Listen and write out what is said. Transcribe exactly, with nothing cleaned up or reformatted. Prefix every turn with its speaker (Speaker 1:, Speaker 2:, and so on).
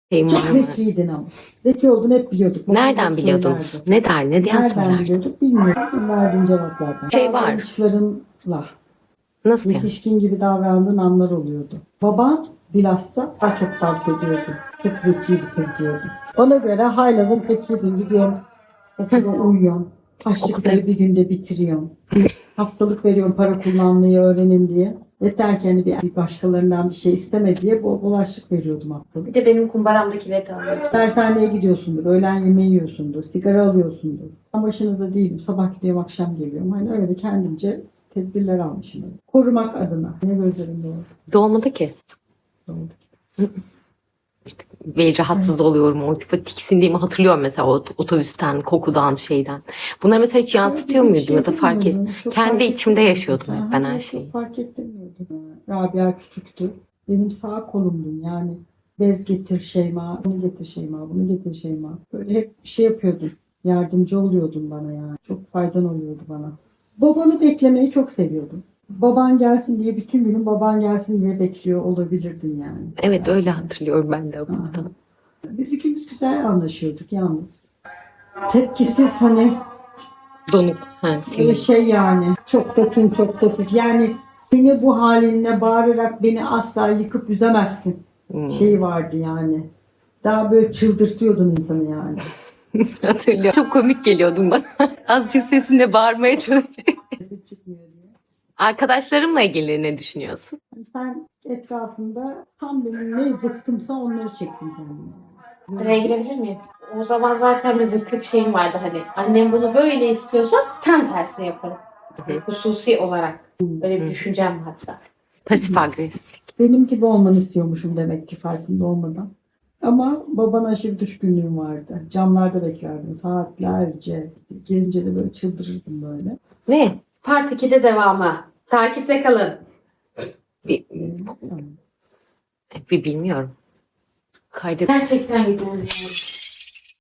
Speaker 1: Şeyim var
Speaker 2: Çok
Speaker 1: mı?
Speaker 2: zekiydin ama. Zeki olduğunu hep biliyorduk. Babam
Speaker 1: Nereden
Speaker 2: hep
Speaker 1: biliyordunuz?
Speaker 2: söylerdi.
Speaker 1: Ne der, ne diye
Speaker 2: Nereden
Speaker 1: söyler?
Speaker 2: biliyorduk bilmiyorum. Verdiğin cevaplardan.
Speaker 1: Şey var.
Speaker 2: Davranışlarınla
Speaker 1: Nasıl yani?
Speaker 2: yetişkin gibi davrandığın anlar oluyordu. Baban bilhassa daha çok fark ediyordu. Çok zeki bir kız diyordu. Ona göre haylazın tekiydin. Gidiyorsun okula uyuyorsun. Açlıkları
Speaker 1: Okulda-
Speaker 2: bir günde bitiriyorsun. Haftalık veriyorum para kullanmayı öğrenin diye. Yeter ki hani bir bir başkalarından bir şey isteme diye bol bol açlık veriyordum haftalık.
Speaker 3: Bir de benim kumbaramdakileri de alıyordum.
Speaker 2: Dershaneye gidiyorsundur, öğlen yemeği yiyorsundur, sigara alıyorsundur. Ben başınızda değilim, sabah gidiyorum, akşam geliyorum. Hani öyle kendimce tedbirler almışım. Öyle. Korumak adına. Ne gözlerim doğru.
Speaker 1: Doğmadı ki.
Speaker 2: Doğru.
Speaker 1: İşte böyle rahatsız oluyorum. O tipe tiksindiğimi hatırlıyorum mesela o otobüsten, kokudan, şeyden. Bunları mesela hiç yansıtıyor
Speaker 2: Bizim
Speaker 1: muydum
Speaker 2: şey
Speaker 1: ya da fark et.
Speaker 2: bilmiyorum, çok
Speaker 1: Kendi
Speaker 2: fark
Speaker 1: içimde
Speaker 2: ettirmiyordum.
Speaker 1: yaşıyordum hep
Speaker 2: Ha,
Speaker 1: ben her
Speaker 2: çok
Speaker 1: şeyi.
Speaker 2: fark ettirmiyordum. Rabia küçüktü. Benim sağ kolumdun yani. Bez getir Şeyma, bunu getir Şeyma, bunu getir Şeyma. Böyle hep şey yapıyordun. Yardımcı oluyordun bana yani. Çok faydan oluyordu bana. Babanı beklemeyi çok seviyordum. Baban gelsin diye bütün günün baban gelsin diye bekliyor olabilirdin yani.
Speaker 1: Evet öyle hatırlıyorum ben de okulda.
Speaker 2: Aha. Biz ikimiz güzel anlaşıyorduk yalnız. Tepkisiz hani
Speaker 1: Donuk. Ha,
Speaker 2: böyle
Speaker 1: sinir.
Speaker 2: şey yani. Çok da tın çok da hafif. Yani beni bu halinle bağırarak beni asla yıkıp üzemezsin.
Speaker 1: Hmm.
Speaker 2: Şeyi vardı yani. Daha böyle çıldırtıyordun insanı yani.
Speaker 1: Hatırlıyorum. Çok komik geliyordun bana. Azıcık sesinle bağırmaya çalışıyorum.
Speaker 2: Ses çıkmıyor diye.
Speaker 1: Arkadaşlarımla ilgili ne düşünüyorsun?
Speaker 2: Hani sen etrafında tam benim ne zıttımsa onları çektin kendine. Yani.
Speaker 3: Araya girebilir miyim? O zaman zaten bir zıtlık şeyim vardı hani. Annem bunu böyle istiyorsa tam tersini yaparım.
Speaker 1: Hı hı.
Speaker 3: Hususi olarak. Böyle bir düşüncem hatta.
Speaker 1: Pasif agresif.
Speaker 2: Benim gibi olmanı istiyormuşum demek ki farkında olmadan. Ama babana aşırı düşkünlüğüm vardı. Camlarda beklerdin saatlerce. Gelince de böyle çıldırırdım böyle.
Speaker 1: Ne?
Speaker 3: Part ikide devamı. Takipte kalın.
Speaker 1: Bir, bir bilmiyorum. Kaydet.
Speaker 3: Gerçekten gitmemiz lazım.